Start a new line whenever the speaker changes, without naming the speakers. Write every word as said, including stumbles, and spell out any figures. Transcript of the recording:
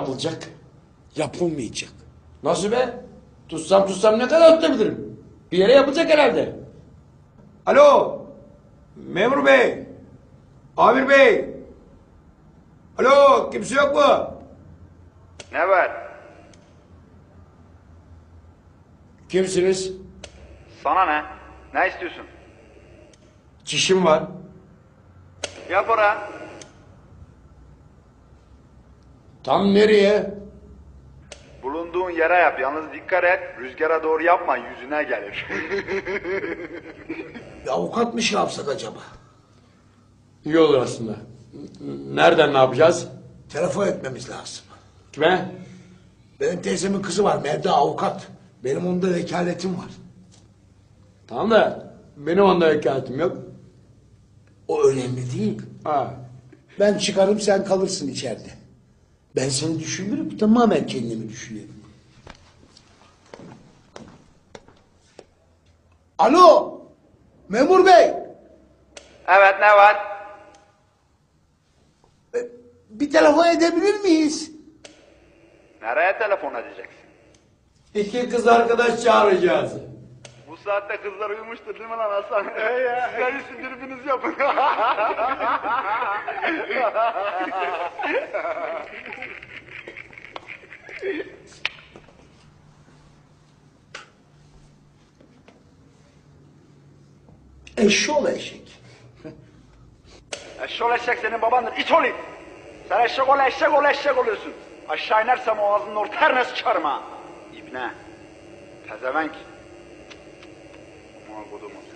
yapılacak?
Yapılmayacak.
Nasıl be? Tutsam tutsam ne kadar tutabilirim? Bir yere yapılacak herhalde. Alo. Memur bey. Amir bey. Alo, kimse yok mu?
Ne var?
Kimsiniz?
Sana ne? Ne istiyorsun?
Çişim var.
Yap ora.
Tam nereye?
Bulunduğun yere yap. Yalnız dikkat et. Rüzgara doğru yapma. Yüzüne gelir.
Bir avukat mı şey yapsak acaba?
İyi olur aslında. N- Nereden ne yapacağız?
Telefon etmemiz lazım.
Kime?
Benim teyzemin kızı var Melda avukat. Benim onda vekaletim var.
Tamam da benim onda vekaletim yok.
O önemli değil.
Ha.
Ben çıkarım sen kalırsın içeride. Ben seni düşünürüm tamamen kendimi düşünüyorum. Alo memur bey.
Evet, ne var?
E, Bir telefon edebilir miyiz?
Nereye telefon edeceksin?
İki kız arkadaş çağıracağız.
Bu saatte kızlar uyumuştur değil mi lan Hasan? Sizler için birbiriniz yapın.
Eşşoğlu eşek.
Eşşoğlu eşek senin babandır. İç olayım. Sen eşek ol eşek ol eşek oluyorsun. Aşağı inersem o ağzının ortasına sıçarım ha. İbne. Pezevenk. Aman kodumuz.